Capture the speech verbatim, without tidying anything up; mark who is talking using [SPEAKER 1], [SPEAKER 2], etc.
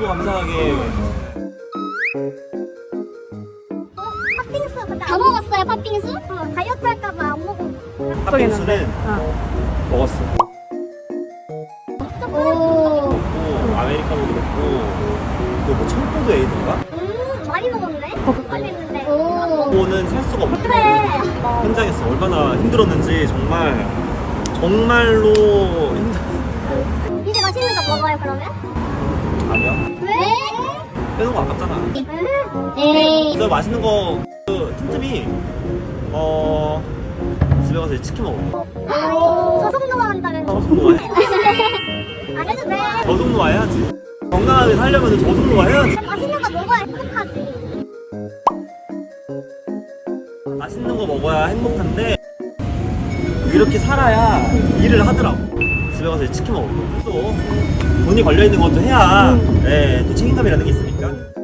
[SPEAKER 1] 너무 감사하게.
[SPEAKER 2] 팥빙수 근데 다 먹었어요 팥빙수? 어, 다이어트 할까봐 안 먹어.
[SPEAKER 1] 팥빙수는
[SPEAKER 3] 어.
[SPEAKER 1] 먹었어.
[SPEAKER 2] 오.
[SPEAKER 1] 또 아메리카노도 먹고 또 뭐 청포도 에이드인가?
[SPEAKER 2] 음 많이 먹었네. 많이 했는데.
[SPEAKER 1] 그거는 살 수가 없어.
[SPEAKER 2] 그래.
[SPEAKER 1] 현장에서 얼마나 힘들었는지 정말 정말로 힘들.
[SPEAKER 2] 이제 맛있는 거 먹어요 그러면?
[SPEAKER 1] 아니야.
[SPEAKER 2] 왜?
[SPEAKER 1] 빼놓은 거 아깝잖아.
[SPEAKER 2] 에이.
[SPEAKER 1] 그래서 맛있는 거 그 틈틈이 어 집에 가서 치킨 먹어.
[SPEAKER 2] 아유 저속 노화 한다면서.
[SPEAKER 1] 저속 노화 해.
[SPEAKER 2] 안 해도 돼.
[SPEAKER 1] 저속 노화 해야지. 건강하게 살려면 저속 노화 해야지.
[SPEAKER 2] 맛있는 거 먹어야 행복하지.
[SPEAKER 1] 맛있는 거 먹어야 행복한데 이렇게 살아야 일을 하더라고. 집에 가서 치킨 먹고 또 돈이 걸려 있는 것도 해야 네, 또 책임감이라는 게 있으니까.